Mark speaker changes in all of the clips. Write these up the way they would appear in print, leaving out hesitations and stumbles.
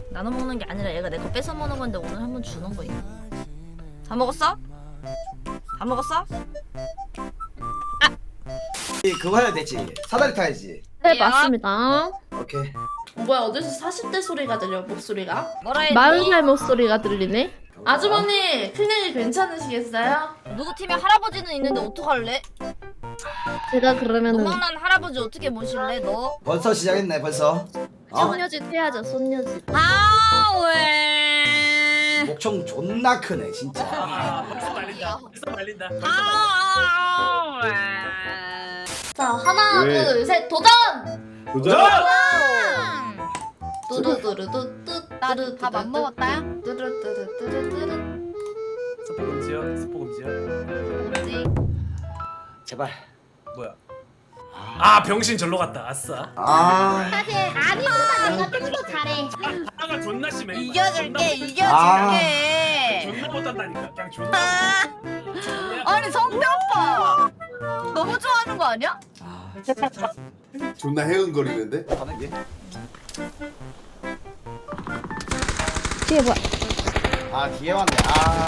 Speaker 1: 나눠 먹는 게 아니라 얘가 내 거 뺏어 먹는 건데 오늘 한번 주는 거야. 다 먹었어? 다 먹었어?
Speaker 2: 그거 해야 되지. 사다리 타야지.
Speaker 3: 네
Speaker 1: 야.
Speaker 3: 맞습니다.
Speaker 2: 오케이.
Speaker 4: 뭐야 어디서 40대 소리가 들려 목소리가?
Speaker 1: 뭐라 했니?
Speaker 3: 40살 목소리가 들리네.
Speaker 4: 아주머니 클릭이 괜찮으시겠어요?
Speaker 1: 누구 팀에 할아버지는 있는데 어떡할래?
Speaker 3: 제가 그러면은
Speaker 1: 노망난 할아버지 어떻게 모실래 너?
Speaker 2: 벌써 시작했네 벌써.
Speaker 3: 손녀짓 해야죠. 손녀짓.
Speaker 1: 아 왜?
Speaker 2: 목청 존나 크네 진짜.
Speaker 5: 벌써 말린다. 벌써 말린다.
Speaker 1: 아 왜?
Speaker 4: 자 하나
Speaker 6: 왜?
Speaker 4: 둘 셋 도전!
Speaker 6: 도전!
Speaker 4: 뚜루뚜루뚜뚜
Speaker 1: 나도 밥 안 먹었다.
Speaker 4: 뚜루뚜루뚜루뚜루
Speaker 5: 스포 금지요. 스포 금지요.
Speaker 1: 뭐지?
Speaker 2: 제발.
Speaker 5: 뭐야? 아 병신 절로 갔다. 아싸.
Speaker 2: 아.
Speaker 7: 사실 아니보다 내가 좀 더 잘해.
Speaker 5: 아가 존나 심해.
Speaker 1: 이겨줄게 이겨줄게.
Speaker 5: 존나 못한다니까. 그냥 존나.
Speaker 1: 아니 성태 오빠 너무 좋아하는 거 아니야?
Speaker 6: 존나 해은거리는데?
Speaker 2: 가는 게.
Speaker 3: 뒤에 뭐야?
Speaker 2: 아 뒤에 왔네. 아.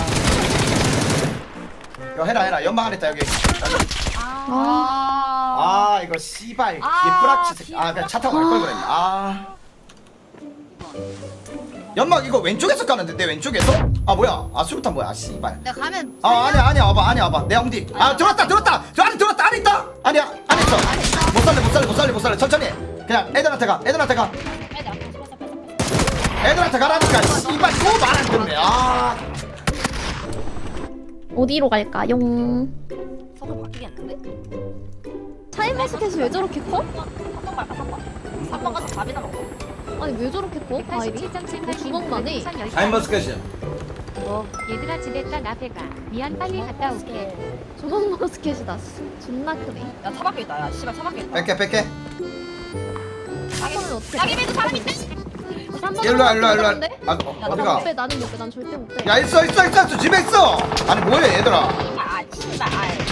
Speaker 2: 이거 해라 연막 안 했다 여기. 아 이거 씨발 예쁘락치 새끼. 아 그냥 차 타고 갈 걸 그랬네. 아. 연막 이거 왼쪽에서 까는데 내 왼쪽에서? 아 뭐야? 아 수류탄 뭐야? 아 씨발.
Speaker 1: 내가 가면
Speaker 2: 아 아니야 와봐 내 엉디. 아 들어왔다 저 안에 들어왔다 안에 있다. 아니야 안에 있어. 못 살려 천천히. 그냥 애들한테 가. 애들한테 가라니까. 씨발 또 말 안 듣네. 아.
Speaker 3: 어디로 갈까요?
Speaker 1: 서로 바뀌겠는데?
Speaker 3: 샤인머스켓이 왜 저렇게 커?
Speaker 1: 3번 갈까 3번 3번 가서 밥이나 먹어.
Speaker 3: 아니 왜 저렇게 커? 과일이? 주먹만 해.
Speaker 2: 타임머스켓이야.
Speaker 7: 얘들아 지냈다 나 배가. 미안 빨리 갔다 올게.
Speaker 3: 주먹머스켓이다. 존나 크네.
Speaker 1: 야 차 밖에 있다. 야 씨발 차 밖에 있다.
Speaker 2: 뺄게.
Speaker 3: 한번은 어떻게?
Speaker 1: 자기비도 사람 있대?
Speaker 2: 일로 와. 아 어디가?
Speaker 3: 못 빼. 나는 못 빼. 난 절대 못 빼.
Speaker 2: 야 있어 집에 있어. 아니 뭐해 얘들아.
Speaker 1: 아 씨발.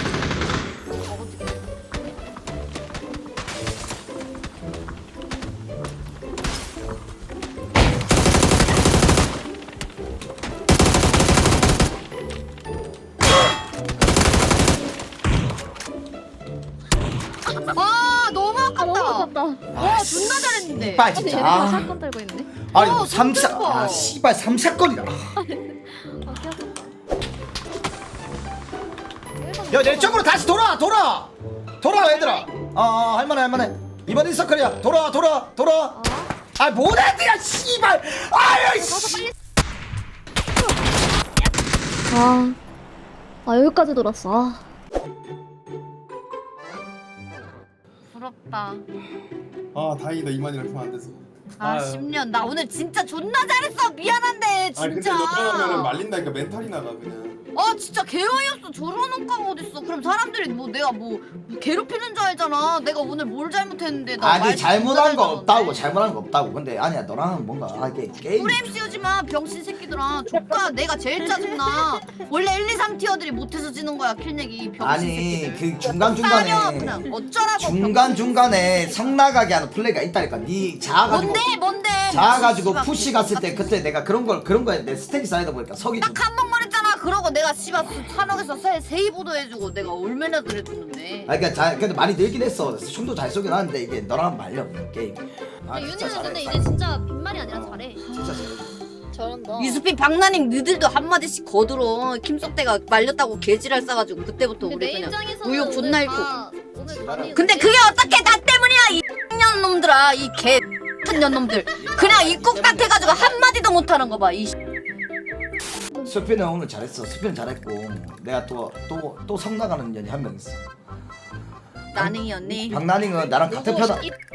Speaker 1: 아 너무
Speaker 3: 너무
Speaker 1: 아깝다.
Speaker 3: 아깝다.
Speaker 1: 와 존나 잘했는데.
Speaker 2: 씨발
Speaker 3: 근데
Speaker 2: 진짜.
Speaker 3: 얘네 다
Speaker 2: 아.
Speaker 3: 사건 들고 있네.
Speaker 2: 아니
Speaker 1: 어,
Speaker 2: 삼샷.
Speaker 1: 진짜
Speaker 2: 아 씨발 삼샷건이다.
Speaker 3: 아 귀엽다.
Speaker 2: 야 내 쪽으로 다시 돌아 얘들아. 할만해. 이번 인서클이야. 돌아. 아 뭐래야 씨발. 아유 씨.
Speaker 3: 아 여기까지 돌았어. 아.
Speaker 1: 부럽다.
Speaker 6: 아 다행이다 이만이랑 통화 안 돼서.
Speaker 1: 아
Speaker 5: 아유.
Speaker 1: 10년 나 오늘 진짜 존나 잘했어. 미안한데
Speaker 6: 아 근데
Speaker 1: 진짜.
Speaker 6: 너 떠나면은 말린다니까 멘탈이 나가 그냥.
Speaker 1: 아 진짜 개어이없어. 저런 옷가가 어딨어. 그럼 사람들이 뭐 내가 뭐 괴롭히는 줄 알잖아. 내가 오늘 뭘 잘못했는데 나
Speaker 2: 아니
Speaker 1: 말
Speaker 2: 잘못한 거
Speaker 1: 진짜
Speaker 2: 없다고
Speaker 1: 잘했는데.
Speaker 2: 근데 아니야 너랑은 뭔가 이게 게임.
Speaker 1: 프레임 씌우지마 병신 새끼들아. 조카 내가 제일 짜증나. 원래 1, 2, 3 티어들이 못해서 지는 거야 킬내기 병신
Speaker 2: 아니
Speaker 1: 새끼들.
Speaker 2: 그
Speaker 1: 따려,
Speaker 2: 중간중간에
Speaker 1: 그냥 어쩌라고
Speaker 2: 중간중간에 성나가게 하는 플레이가 있다니까. 니 자아가지고
Speaker 1: 뭔데
Speaker 2: 자아가지고
Speaker 1: 씨발,
Speaker 2: 푸시 갔을 때 그때 내가 그런 거에 내 스택이 쌓이다 보니까 석이 좀.
Speaker 1: 딱 한 번만 했잖아. 그러고 내가 씨발 산옥에서 세이브도 해주고 내가 얼마나 그래줬는데.
Speaker 2: 아 그러니까 근데 많이 늘긴 했어. 춤도 잘 쏘긴 하는데 이게 너랑 말려 게임. 아
Speaker 3: 근데
Speaker 2: 진짜
Speaker 3: 윤희는 근데
Speaker 2: 잘해.
Speaker 3: 이제 진짜 빈말이 아니라 잘해.
Speaker 2: 진짜 잘해.
Speaker 3: 저런다.
Speaker 1: 유수빈 박나닝 너들도 한마디씩 거들어. 김석대가 말렸다고 개지랄 싸가지고 그때부터
Speaker 3: 근데
Speaker 1: 우리
Speaker 3: 내
Speaker 1: 그냥
Speaker 3: 입장에서는
Speaker 1: 의욕 존나
Speaker 3: 오늘
Speaker 1: 잃고.
Speaker 3: 다 오늘 밤이
Speaker 1: 근데 그게 어떻게 나 때문이야 이 년 놈들아. 이 개 같은 년 놈들. 그냥 입국 같아가지고 한마디도 못하는 거 봐. 이
Speaker 2: 수피는 오늘 잘했어. 수피는 잘했고 내가 또 성나가는 년이 한 명 있어.
Speaker 1: 나닝이 언니.
Speaker 2: 박나닝은 나랑 같은 편.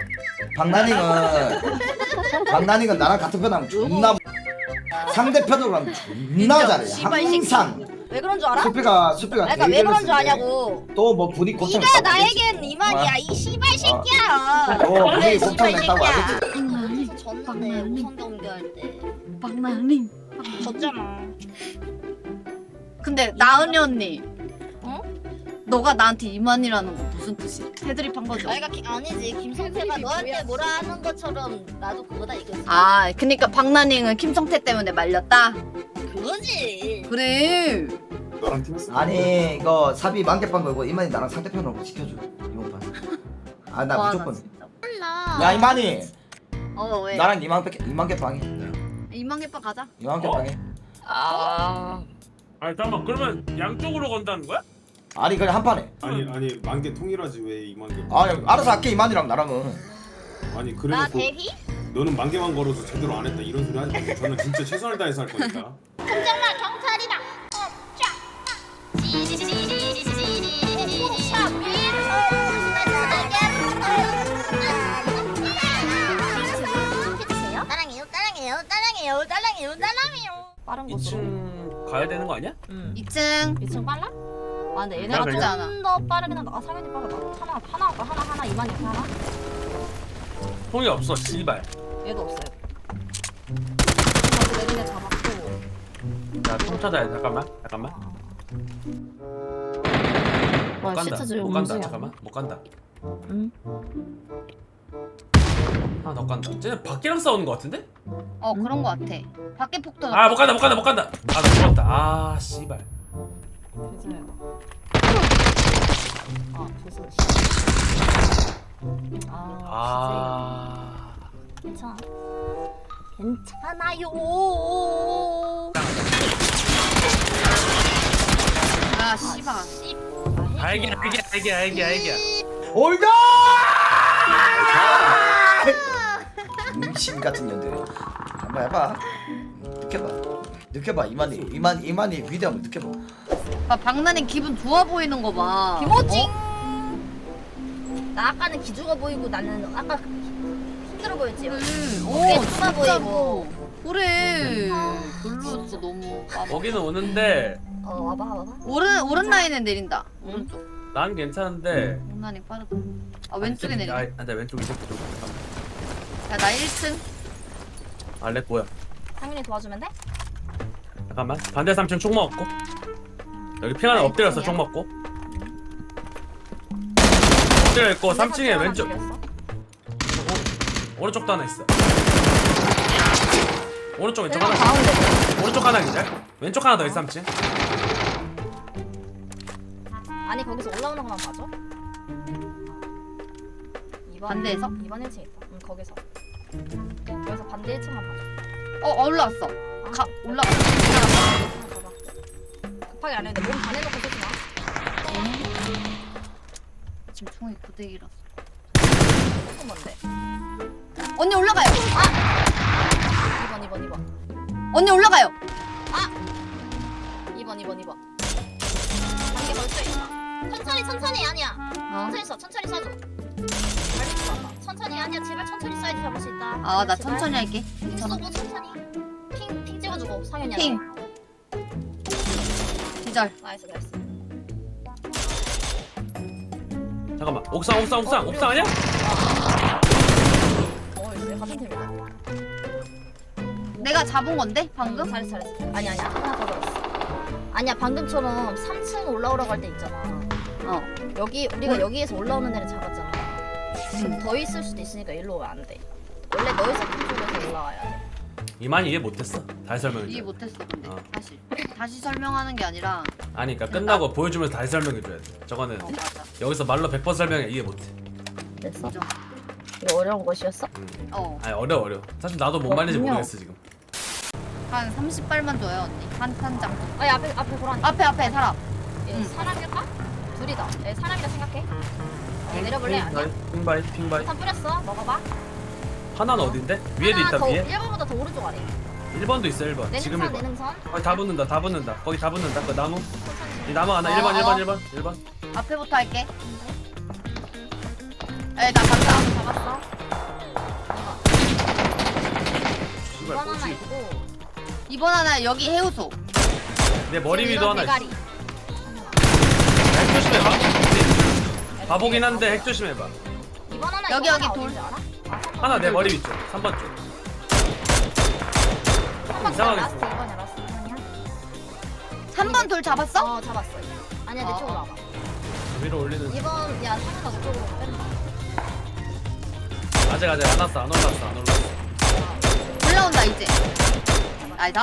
Speaker 2: 박나닝은 나랑 같은 편하면 존나. 상대편으로 하면 존나 잘해.
Speaker 1: 씨발
Speaker 2: 항상.
Speaker 1: 왜 그런 줄 알아?
Speaker 2: 수피가
Speaker 1: 그러니까 왜 그런 줄 아냐고.
Speaker 2: 또뭐 분위 고창.
Speaker 1: 네가 나에겐 이만이야 이 씨발 새끼야.
Speaker 2: 분위
Speaker 1: 그래,
Speaker 2: 고창
Speaker 1: 씨발
Speaker 2: 냈다고
Speaker 1: 새끼야.
Speaker 2: 알겠지.
Speaker 1: 졌는데 우선 경기할 때
Speaker 3: 박나닝.
Speaker 1: 졌잖아. 근데 나은이 언니, 어? 너가 나한테 이만이라는 거 무슨 뜻이야? 패드립 한 거죠?
Speaker 8: 아니지 김성태가 너한테 뭐라 하는 것처럼 나도 그거다 이거지.
Speaker 1: 아, 그니까 박나닝은 김성태 때문에 말렸다?
Speaker 8: 그거지.
Speaker 1: 그래.
Speaker 6: 너랑 팀했어.
Speaker 2: 아니 이거 사비 만개빵 걸고 이만이 나랑 상대편으로 지켜줘 이번 판. 아 나
Speaker 1: 와,
Speaker 2: 무조건.
Speaker 8: 몰라.
Speaker 2: 야 이만이
Speaker 1: 어, 왜?
Speaker 2: 나랑 이만개빵이.
Speaker 1: 이만개빠 가자.
Speaker 2: 이만개빵이.
Speaker 5: 아니 잠깐만 그러면 양쪽으로 건다는 거야?
Speaker 2: 아니 그래 한 판에.
Speaker 6: 아니 만개 통일하지 왜 2만 개?
Speaker 2: 아니 알아서 할게 이만이랑 나랑은.
Speaker 6: 아니
Speaker 8: 나
Speaker 6: 그래놓고
Speaker 8: 대휘?
Speaker 6: 너는 만개만 걸어도 제대로 안 했다 이런 소리 하지 마. 저는 진짜 최선을 다해서 할 거니까.
Speaker 8: 공장나 경찰이다. 따랑해요.
Speaker 4: 빠른 곳으로.
Speaker 5: 2층 가야 되는 거 아니야?
Speaker 1: 2층.
Speaker 4: 2층 빨라? 아 근데
Speaker 5: 나
Speaker 4: 얘네가
Speaker 5: 그래.
Speaker 4: 좀 더 빠르긴 한다. 아 상현이 빠르다. 하나 이만 이렇게 하나?
Speaker 5: 통이 없어 씨발.
Speaker 4: 얘도 없어요. 그래서 내리네 잡았고.
Speaker 5: 야통 찾아야 돼. 잠깐만.
Speaker 4: 와
Speaker 5: 못
Speaker 4: 시트
Speaker 5: 간다.
Speaker 4: 줄
Speaker 5: 못 간다.
Speaker 4: 움직여.
Speaker 5: 잠깐만. 못 간다.
Speaker 4: 응.
Speaker 5: 너 간다. 쟤네 밖이랑 싸우는 거 같은데?
Speaker 1: 어, 그런 거 같아. 밖에 폭도.
Speaker 5: 아 못 간다. 아 나 죽었다. 아 씨발.
Speaker 4: 괜찮아요. 아 죄송.
Speaker 5: 아.
Speaker 8: 괜찮아. 괜찮아요.
Speaker 1: 아, 씨발.
Speaker 5: 알게.
Speaker 2: 올가! 심 같은 년들. 한번 해봐. 느껴봐. 이만이 위대함을 느껴봐.
Speaker 1: 아, 박나닝 기분 좋아 보이는 거 봐.
Speaker 8: 김호징. 나 아까는 기죽어 보이고 나는 아까 힘들어 보였지. 어깨 좁아 보이고.
Speaker 1: 그래. 별로였어, 너무.
Speaker 5: 거기는 오는데
Speaker 8: 와봐.
Speaker 1: 오른 라인에 내린다. 오른쪽.
Speaker 5: 난 괜찮은데.
Speaker 1: 박나닝 빠르다. 아, 왼쪽에 내린다.
Speaker 5: 나 왼쪽 이쪽.
Speaker 1: 야, 나 1층.
Speaker 5: 알렉 뭐야?
Speaker 8: 상민이 도와주면 돼?
Speaker 5: 잠깐만. 반대 3층 총 먹었고. 여기 핑 하나 엎드렸어. 총 먹고. 엎드려 있고 3층에 왼쪽. 오른쪽도 하나 있어. 오른쪽 왼쪽 하나. 오른쪽 하나 기절. 왼쪽 하나 더 있어 3층.
Speaker 8: 아니 거기서 올라오는 것만 봐줘. 2번,
Speaker 1: 반대에서?
Speaker 8: 2번 1층 있다. 응 거기서. 여기서 반대 1층만 봐줘.
Speaker 1: 올라왔어. 올라가.
Speaker 8: 급하게 안 했는데 몸 반해놓고 쓰지 마.
Speaker 1: 지금 총이 고데기라서.
Speaker 8: 조금 뭔데?
Speaker 1: 언니 올라가요.
Speaker 8: 2번.
Speaker 1: 언니 올라가요.
Speaker 8: 2번. 단계 벌써 있다. 천천히 아니야. 천천히 쏴줘. 빨리 쏴봐. 천천히 아니야. 제발 천천히 쏴야지 잡을 수 있다.
Speaker 1: 아, 나
Speaker 8: 제발.
Speaker 1: 천천히 할게.
Speaker 8: 핑 쏘고 천천히. 핑 찍어주고 상현이야.
Speaker 1: 핑. 기절.
Speaker 8: 나이스.
Speaker 5: 잠깐만. 옥상 아니야?
Speaker 8: 이제 같은 팀이다.
Speaker 1: 내가 잡은 건데 방금?
Speaker 8: 잘했어. 아니야. 하나 더 들었어. 아니야 방금처럼 3층 올라오라고 할 때 있잖아. 여기 우리가 여기에서 올라오는 애를 잡았잖아. 지금 더 있을 수도 있으니까 일로 오면 안 돼. 원래 너의 세팅 쪽에서 올라와야 돼.
Speaker 5: 이만이 이해 못했어. 다시 설명해.
Speaker 1: 이해 못했어 근데
Speaker 5: 어.
Speaker 1: 다시 설명하는 게 아니라.
Speaker 5: 아니 그러니까 끝나고 보여주면서 다시 설명해 줘야 돼. 저거는
Speaker 1: 맞아.
Speaker 5: 여기서 말로 100번 설명해 이해 못해.
Speaker 8: 됐어?
Speaker 1: 인정.
Speaker 8: 이거 어려운 것이었어?
Speaker 5: 아니 어려워. 사실 나도 뭔 말인지
Speaker 8: 그럼요.
Speaker 5: 모르겠어 지금.
Speaker 1: 한 30발만 줘요 언니. 한 장.
Speaker 8: 아니 앞에 보라.
Speaker 1: 앞에 사람.
Speaker 8: 얘 사람일까? 둘이다. 얘 사람이라 생각해. 내려볼래? 아니야.
Speaker 5: 핑바이.
Speaker 8: 한 뿌렸어. 먹어봐.
Speaker 5: 하나는 어딘데? 위에도
Speaker 8: 하나
Speaker 5: 있다
Speaker 8: 더,
Speaker 5: 위에.
Speaker 8: 1번보다 더 오른쪽 아래.
Speaker 5: 1번도 있어 1번. 지금 1번.
Speaker 8: 내능선.
Speaker 5: 거기 다 붙는다. 거기 다 붙는다. 그 나무. 이 나무 하나
Speaker 1: 어,
Speaker 5: 1번.
Speaker 1: 앞에부터 할게. 나 간다.
Speaker 8: 잡았어.
Speaker 5: 씨발
Speaker 8: 2번 하나
Speaker 5: 뭐지?
Speaker 8: 있고.
Speaker 1: 2번 하나 여기 해우소.
Speaker 5: 내 머리
Speaker 8: 지금
Speaker 5: 위도
Speaker 8: 이건
Speaker 5: 하나 있어.
Speaker 8: 대가리.
Speaker 5: 핵 조심해봐. 바보긴 한데 핵 조심해봐.
Speaker 8: 2번 하나
Speaker 1: 여기,
Speaker 8: 이거
Speaker 1: 여기
Speaker 8: 하나
Speaker 1: 돌.
Speaker 8: 어딘지 알아?
Speaker 5: 하나 내 머리 위쪽. 3번 쪽. 이상하게
Speaker 8: 라스트 2번이야 라스트 2번이야.
Speaker 1: 3번 돌 잡았어?
Speaker 8: 잡았어. 아니야 내
Speaker 1: 어,
Speaker 8: 쪽으로
Speaker 1: 어.
Speaker 8: 와봐.
Speaker 5: 위로 올리는 중.
Speaker 8: 이번 야 상현아 그쪽으로 뺀다.
Speaker 5: 아직 안 왔어. 안 올랐어.
Speaker 1: 올라온다 이제. 나이다.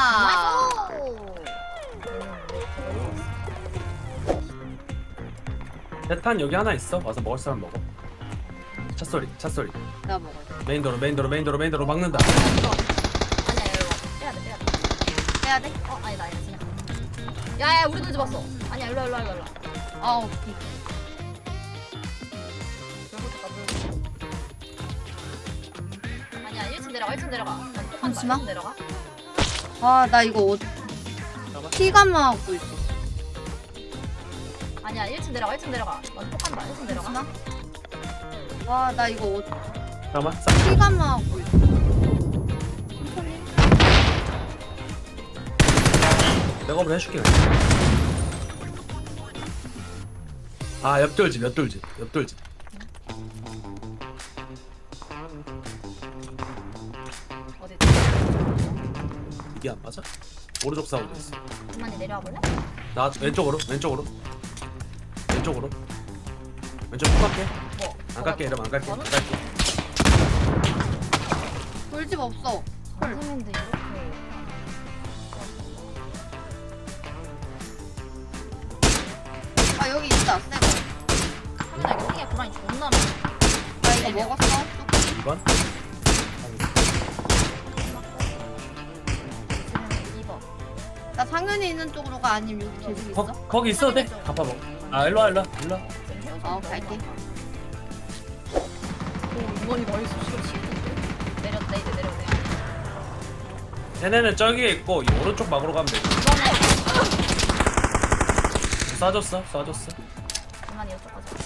Speaker 5: 대탄 여기 하나 있어. 와서 먹을 사람 먹어. 차 소리.
Speaker 1: 나 먹어.
Speaker 5: 메인도로 막는다.
Speaker 8: 아니야 이리 와. 빼야 돼.
Speaker 1: 빼야 돼?
Speaker 8: 아니다 그냥. 야야 우리도 이제 봤어. 아니야 일로 와.
Speaker 1: 오케이.
Speaker 8: 아니야 1층 내려가.
Speaker 1: 잠시만.
Speaker 8: 1층 내려가.
Speaker 1: 아 나 이거 피감하고 있어.
Speaker 8: 아니야 1층 내려가. 넌 똑한다. 1층 내려가.
Speaker 1: 와 나 이거
Speaker 5: 잠깐만.
Speaker 1: 피감하고 있어.
Speaker 5: 백업을 해줄게. 아 옆돌집.
Speaker 8: 어디?
Speaker 5: 이게 안 맞아? 오른쪽 싸우고 있어.
Speaker 8: 그만이 내려와 볼래?
Speaker 5: 나 왼쪽 쭉 갈게.
Speaker 8: 뭐?
Speaker 5: 안 갈게. 이러면 안 갈게.
Speaker 1: 돌집 없어.
Speaker 8: 선생님도 이렇게.
Speaker 1: 아 여기 있다. 새거.
Speaker 8: 상현아 이거 핑계 고라니 존나
Speaker 1: 나 이거 먹었어.
Speaker 5: 2번.
Speaker 8: 2번.
Speaker 1: 나 상현이 있는 쪽으로 가 아니면 여기 계속 있어?
Speaker 5: 거기 있어도 돼. 갚아 먹어. 아 일로 와.
Speaker 1: 갈게.
Speaker 8: 이번이 머리 쑤시고 치우는데. 내렸다 이제 내렸네.
Speaker 5: 쟤네는 저기에 있고 이 오른쪽 막으로 가면 돼. 쏴줬어.
Speaker 8: 그만이 이쪽 가자.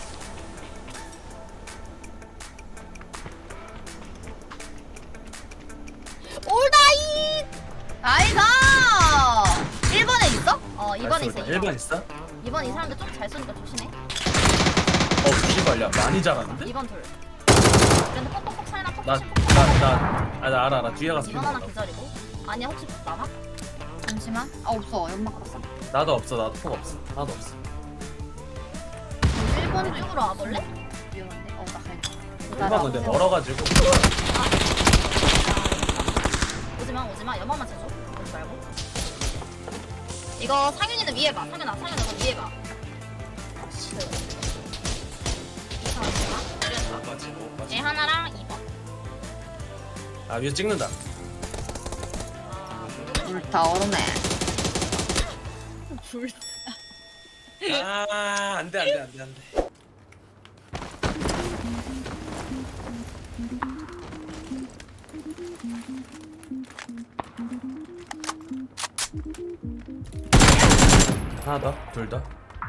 Speaker 8: 올다이!
Speaker 1: 나이스! 1번에 있어?
Speaker 8: 2번에 있어.
Speaker 5: 1번 있어?
Speaker 8: 2번 이 사람들 좀 잘 쏘니까 조심해.
Speaker 5: 씨발야 많이 잘하는데?
Speaker 8: 2번 둘. 그런데 퍽퍽퍽 차이나 퍽퍽
Speaker 5: 나 알아. 뒤에 가서
Speaker 8: 2번 하나 기다리고. 아니야 혹시 남아?
Speaker 1: 잠시만. 연막 갔어.
Speaker 5: 나도 없어. 나도 폭 없어. 하나도 없어.
Speaker 1: 1번
Speaker 8: 이쪽으로 와볼래?
Speaker 1: 위험한데? 나 갈게.
Speaker 5: 1번 근데 멀어가지고.
Speaker 8: 오지마. 연막만 쳐줘. 오지 말고. 이거 상윤이는 위에 봐. 상윤아 너 위에 봐. 얘 하나랑 2번.
Speaker 5: 아 위에 찍는다.
Speaker 1: 불타 얼음에.
Speaker 5: 아 안돼. 하나 더, 둘 더.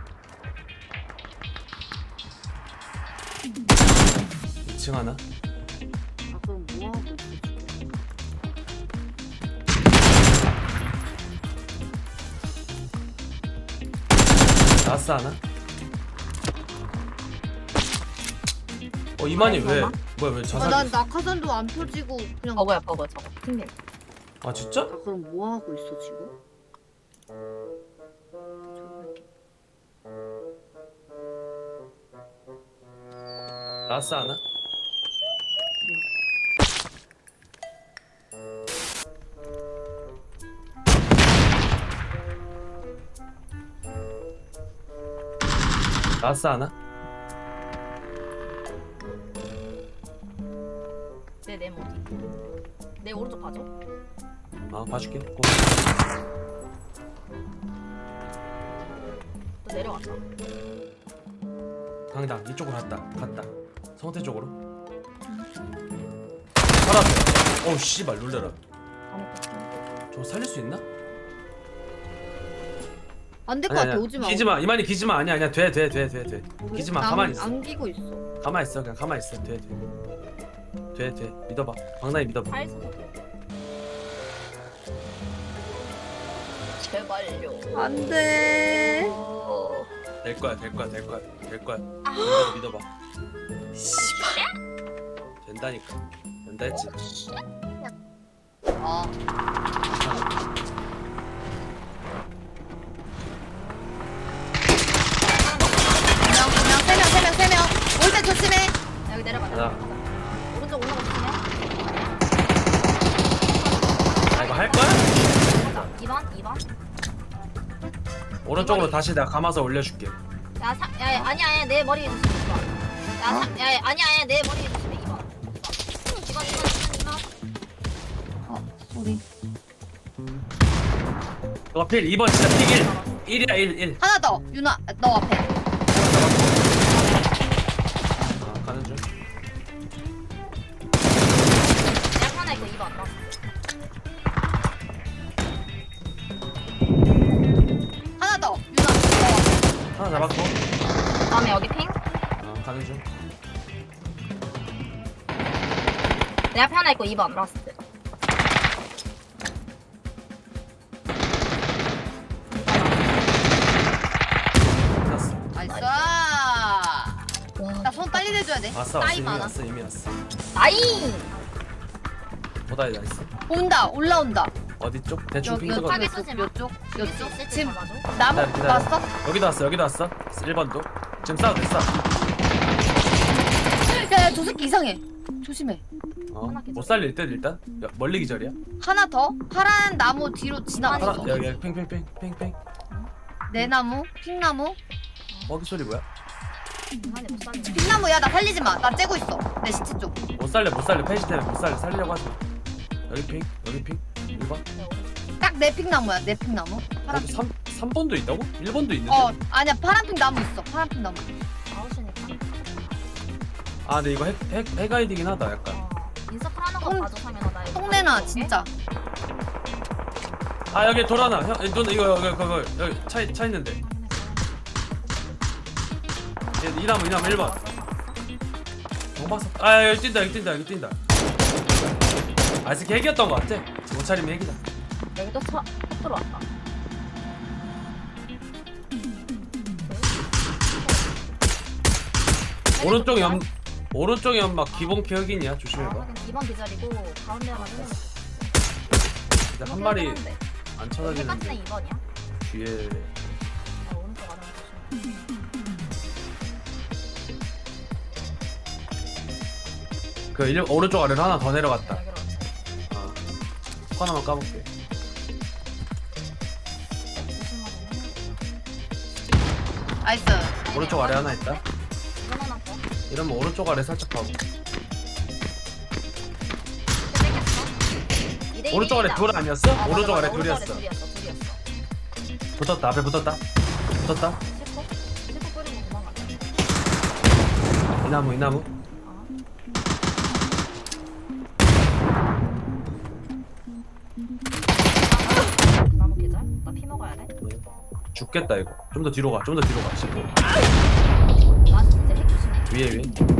Speaker 5: 2층 하나.
Speaker 1: 아 그럼 뭐하고 있어?
Speaker 5: 나스 하나. 이만희 왜? 뭐야 왜 자살?
Speaker 1: 난 낙하산도 안 펴지고 그냥.
Speaker 8: 버거야 저거. 핑계.
Speaker 5: 아 진짜?
Speaker 1: 아 그럼 뭐하고 있어 지금?
Speaker 5: 나스 하나. 나스 하나.
Speaker 8: 내 네모 어디? 내 오른쪽 봐줘.
Speaker 5: 아 봐줄게. 고.
Speaker 8: 또 내려왔다.
Speaker 5: 강당 이쪽으로 갔다. 성태 쪽으로. 살았어. 어우 씨발 놀래라. 저거 살릴 수 있나?
Speaker 1: 안 될 것 같아. 오지 마.
Speaker 5: 기지마. 이만희 기지마. 아니야. 돼. 기지마. 가만히 있어.
Speaker 1: 안기고 있어.
Speaker 5: 가만히 있어. 그냥 가만히 있어. 돼. 믿어봐. 강남이 믿어봐.
Speaker 8: 잘 쏘. 제발요.
Speaker 1: 안 돼.
Speaker 5: 될 거야. 믿어봐. 된다니까. 된다 했지.
Speaker 1: 조심해.
Speaker 8: 여기 내려가자.
Speaker 5: 가자.
Speaker 8: 오른쪽 올라가 조심해.
Speaker 5: 아 이거 할 거야?
Speaker 8: 2번.
Speaker 5: 오른쪽으로 다시 내가 감아서 올려줄게.
Speaker 8: 야, 아니야, 내 머리에 조심해. 2번. 아니야, 내 머리에 조심해. 2번. 2번.
Speaker 1: 우리
Speaker 5: 너가 필 2번 진짜 필 1. 1이야 1.
Speaker 1: 하나 더. 유나 너 앞에.
Speaker 5: 가는 중.
Speaker 8: 약 하나 있고 2번.
Speaker 1: 하나 더. 유나 너.
Speaker 5: 하나 잡았고.
Speaker 8: 다음에 여기 핑.
Speaker 5: 가는 중.
Speaker 8: 내 앞에 하나 있고 2번. 라스트.
Speaker 5: 끝났어.
Speaker 1: 나이스.
Speaker 8: 와,
Speaker 1: 나 손 빨리 내줘야 돼.
Speaker 5: 왔어
Speaker 1: 나이
Speaker 5: 이미
Speaker 1: 많아.
Speaker 5: 왔어 이미 왔어.
Speaker 8: 나이!
Speaker 5: 보다이 나이스.
Speaker 1: 온다. 올라온다.
Speaker 5: 어디 쪽? 대충 핑
Speaker 1: 요
Speaker 5: 뜨거든.
Speaker 8: 타겟 쏘지 마.
Speaker 1: 요쪽.
Speaker 8: 죽일 수
Speaker 1: 요쪽.
Speaker 8: 있을지
Speaker 1: 지금
Speaker 8: 잡아줘.
Speaker 1: 나무
Speaker 5: 기다려.
Speaker 1: 왔어?
Speaker 5: 여기도 왔어 1번도. 지금 싸워도 돼 싸워.
Speaker 1: 야, 저 새끼 이상해. 조심해.
Speaker 5: 못 살릴 듯 일단. 야, 멀리 기절이야.
Speaker 1: 하나 더. 파란 나무 뒤로
Speaker 5: 하나
Speaker 1: 지나갔어.
Speaker 5: 여기 핑.
Speaker 1: 내 나무, 핑나무.
Speaker 5: 먹이 소리 뭐야?
Speaker 8: 중간에 못 살리네.
Speaker 1: 핑나무야. 나 살리지 마. 나 째고 있어. 내 시체 쪽.
Speaker 5: 못 살려 페이지 때문에 못 살려 살리려고 하지 마. 여기 핑 1번.
Speaker 1: 딱 내 핑나무야. 내 핑나무. 파란
Speaker 5: 여기
Speaker 1: 핑.
Speaker 5: 3번도 있다고? 1번도 있는데?
Speaker 1: 아니야. 파란 핑 나무 있어. 파란 핑 나무.
Speaker 8: 아웃이니까.
Speaker 5: 아 근데 이거 핵 아이디긴 하다 약간.
Speaker 8: 인서클 하는 거
Speaker 1: 똥-
Speaker 8: 봐줘, 상현아. 나 이거
Speaker 1: 똥내나
Speaker 8: 가져올게.
Speaker 1: 진짜.
Speaker 5: 아 여기 돌아나 형 누나 이거 여기 차 있는데. 이 나무 1번. 정박사. 아 여기 뛴다. 아 이새 핵이었던 것 같아. 옷차림이 핵이다.
Speaker 8: 여기도 차 들어왔다.
Speaker 5: 오른쪽 연막 기본 격이냐 조심해봐.
Speaker 8: 2번 기절이고 가운데 하나 더.
Speaker 5: 근데 한 마리 안
Speaker 8: 똑같은
Speaker 5: 쳐다지는데
Speaker 8: 애 2번이야.
Speaker 5: 뒤에
Speaker 8: 오른쪽 아래 조심.
Speaker 5: 오른쪽 아래로 하나 더 내려갔다.
Speaker 8: 여기로 왔지.
Speaker 5: 속 하나만 까볼게.
Speaker 1: 나이스.
Speaker 5: 오른쪽 아래 하나 있다.
Speaker 8: 이번 하나 더.
Speaker 5: 이러면 오른쪽 아래 살짝 가고. 오른쪽 아래 둘 아니었어? 오른쪽 아래 둘이었어.
Speaker 8: 둘이었어.
Speaker 5: 붙었다 앞에 붙었다.
Speaker 8: 셰코 뿌리고 도망갔다.
Speaker 5: 이 나무.
Speaker 8: 나무 계절? 나 피 먹어야 돼.
Speaker 5: 죽겠다 이거. 좀 더 뒤로 가. 씹고.
Speaker 8: 나 진짜 핵 조심해.
Speaker 5: 위에.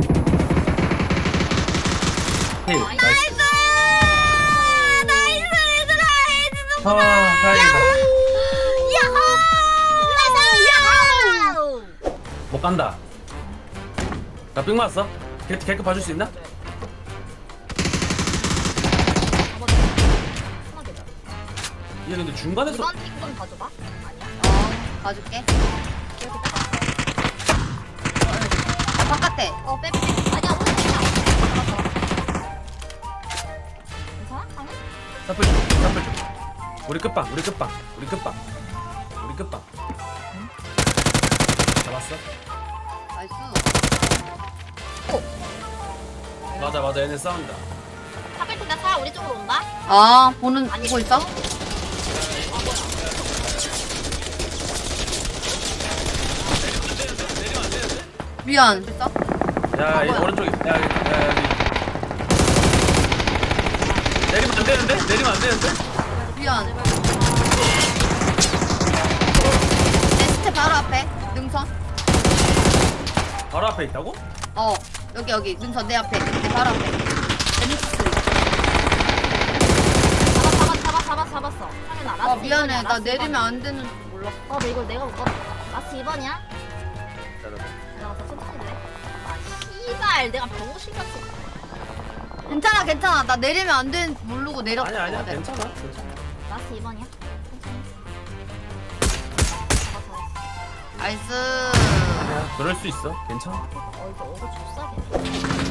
Speaker 5: 힐. 나이스. 아 다행이다. 못 간다. 나 삥 맞았어. 개급 봐줄 수 있나?
Speaker 8: 하나 계절.
Speaker 5: 얘 근데 중간에서
Speaker 8: 이번 픽 좀 봐줘봐. 아니야?
Speaker 1: 봐줄게.
Speaker 8: 이렇게
Speaker 1: 바깥에.
Speaker 8: 빼. 아니야, 오른쪽이야. 괜찮아? 상현?
Speaker 5: 사플 좀. 우리 끝방. 잡았어?
Speaker 1: 나이스.
Speaker 5: 맞아 얘네 싸운다.
Speaker 8: 하필 근데 차 우리 쪽으로 온다?
Speaker 1: 보고 있어? 미안. 됐어?
Speaker 5: 야 이
Speaker 1: 뭐야?
Speaker 5: 오른쪽에 야 여기. 내리면 안 되는데?
Speaker 1: 미안. 내 시체 바로 앞에. 능선.
Speaker 5: 바로 앞에 있다고?
Speaker 1: 여기 능선 내 앞에. 내 바로 앞에. 내
Speaker 8: 잡았어. 상현아, 라스트
Speaker 1: 미안해.
Speaker 8: 2번이야,
Speaker 1: 나
Speaker 8: 라스트
Speaker 1: 내리면
Speaker 8: 2번이야.
Speaker 1: 안 되는 줄 몰랐어.
Speaker 8: 근데 이걸 내가 못 봤다. 라스트 2번이야?
Speaker 5: 기다려봐.
Speaker 8: 내가 더 천천히 내. 씨발, 내가 병신 같이.
Speaker 1: 괜찮아. 나 내리면 안 되는 줄 모르고 내렸어.
Speaker 5: 아니야 괜찮아.
Speaker 8: 라스트 2번이야?
Speaker 1: 나이스.
Speaker 5: 아니야 그럴 수 있어 괜찮아.
Speaker 8: 이거 어그 좁싸게.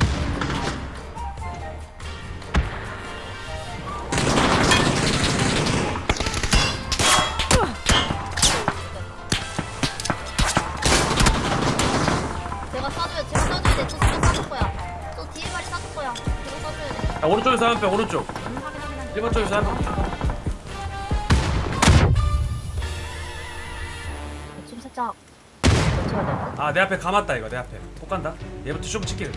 Speaker 8: 제가 쏴줘야 돼. 저 진짜 쏴줄 거야. 저 뒤에 발이 쏴줄 거야. 제가 쏴줘야 돼.
Speaker 5: 야 오른쪽에서 한명 오른쪽.
Speaker 8: 확인.
Speaker 5: 1번 쪽에서 한 명.
Speaker 8: 좀 살짝 겹쳐야 돼.
Speaker 5: 아 내 앞에 감았다 이거 내 앞에. 폭 간다. 얘부터 좀 칠게.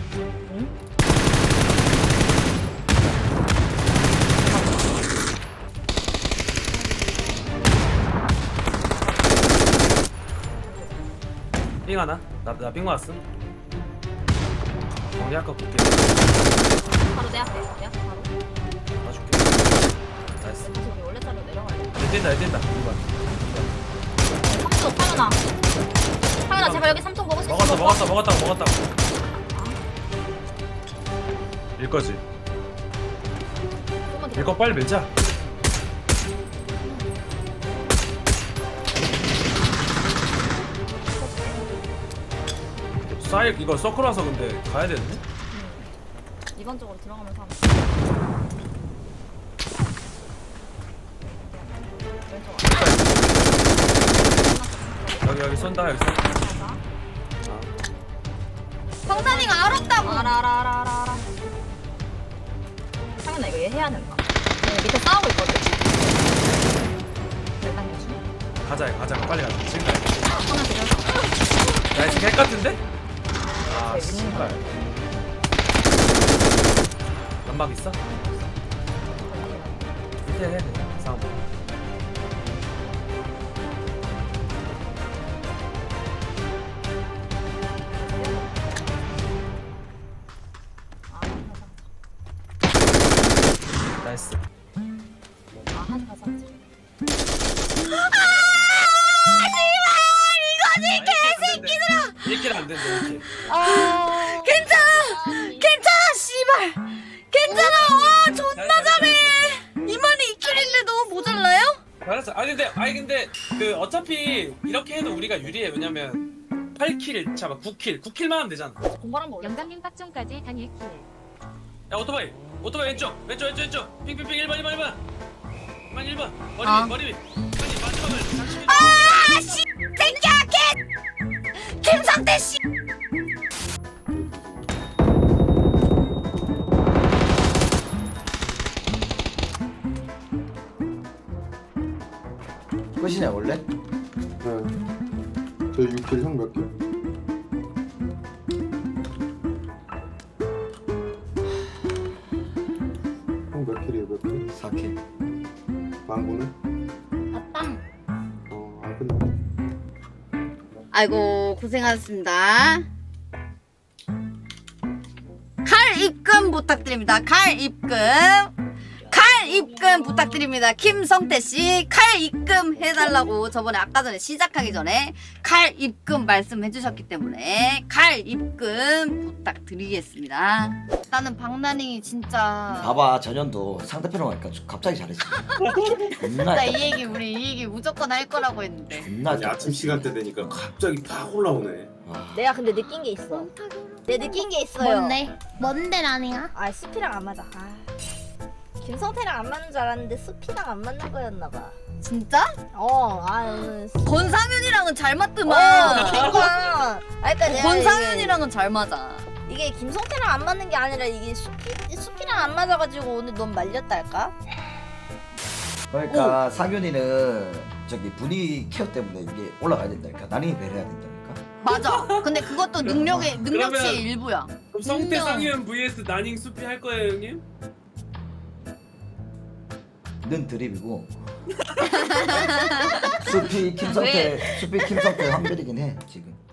Speaker 5: 삥 하나? 나삥 맞았음. 정리 아까 볼게.
Speaker 8: 바로 내 앞에. 내 앞에 바로.
Speaker 5: 봐줄게. 나이스.
Speaker 8: 저기 원래 자리로 내려가야 돼.
Speaker 5: 뛴다 2번.
Speaker 8: 3초 파연아. 파연아 제발 여기 3초 먹을 수 있어.
Speaker 5: 먹었다고. 일거지.
Speaker 8: 조금만
Speaker 5: 일거 빨리 밀자. 사이 이거 서클 와서 근데 가야 되는데?
Speaker 8: 이번 쪽으로 들어가면서 하면. 왼쪽.
Speaker 5: 여기 쏜다 여기 쏜다.
Speaker 1: 방탄이가 알았다고.
Speaker 8: 알아. 상현아 이거 얘 해야 된다. 얘 밑에 싸우고 있거든.
Speaker 5: 가자 빨리 가자. 지금 가야 돼.
Speaker 8: 하나 들여서.
Speaker 5: 나이스 개 같은데? 아 씨발. 연막 있어? 밑에 해야 돼 싸움. 나이스.
Speaker 8: 한 가자.
Speaker 5: 이거지 개새끼들아. 1킬 안 된다 1킬.
Speaker 1: 괜찮아 씨발. 괜찮아. 와 존나 잘해. 이만희 2킬인데 너무 모자라요?
Speaker 5: 알았어. 아니 근데 그 어차피 이렇게 해도 우리가 유리해. 왜냐면 8킬 잡아 9킬만 하면 되잖아.
Speaker 8: 공부하는 거 올려.
Speaker 7: 영감님 빡종까지 단 1킬.
Speaker 5: 야 오토바이 왼쪽 핑핑핑 1번 1번 머리 위 아니 마지막을 장식해.
Speaker 1: 아씨 새끼야 김성태 씨.
Speaker 2: 끝이냐 원래?
Speaker 6: 네. 저 6킬 형 몇 개? 형 몇 킬이에요 몇 킬?
Speaker 2: 4킬.
Speaker 6: 망고는?
Speaker 8: 아빵.
Speaker 6: 안 끝났네.
Speaker 1: 아이고 고생하셨습니다. 칼 입금 부탁드립니다. 칼 입금 부탁드립니다. 김성태 씨 칼 입금 해달라고 저번에 아까 전에 시작하기 전에 칼 입금 말씀해 주셨기 때문에 칼 입금 부탁드리겠습니다. 나는 박나닝이 진짜
Speaker 2: 봐봐 전현도 상대편으로 가니까 갑자기 잘했어. 존나
Speaker 1: 나 이 얘기 우리 이 얘기 무조건 할 거라고 했는데
Speaker 2: 존나
Speaker 6: 아니, 아침 시간대 되니까 갑자기 팍 올라오네.
Speaker 8: 내가 근데 느낀 게 있어. 내 느낀 게 있어요.
Speaker 3: 뭔데 라닝아?
Speaker 8: 아 수피랑 안 맞아. 김성태랑 안 맞는 줄 알았는데 수피랑 안 맞는 거였나봐.
Speaker 1: 진짜?
Speaker 8: 오늘
Speaker 1: 권상윤이랑은 잘 맞더만.
Speaker 8: 그러니까 내가
Speaker 1: 권상윤이랑은 잘 맞아.
Speaker 8: 이게 김성태랑 안 맞는 게 아니라 이게 수피랑 안 맞아가지고 오늘 넌 말렸달까?
Speaker 2: 그러니까 상윤이는 저기 분위기 케어 때문에 이게 올라가야 된다니까. 나닝이 배려해야 된다니까.
Speaker 1: 맞아. 근데 그것도 능력치의
Speaker 5: 그러면-
Speaker 1: 일부야.
Speaker 5: 그럼 성태 상현 vs 나닝 수피 할 거예요 형님?
Speaker 2: 는 드립이고. 수피 김성태 한별이긴 해 지금.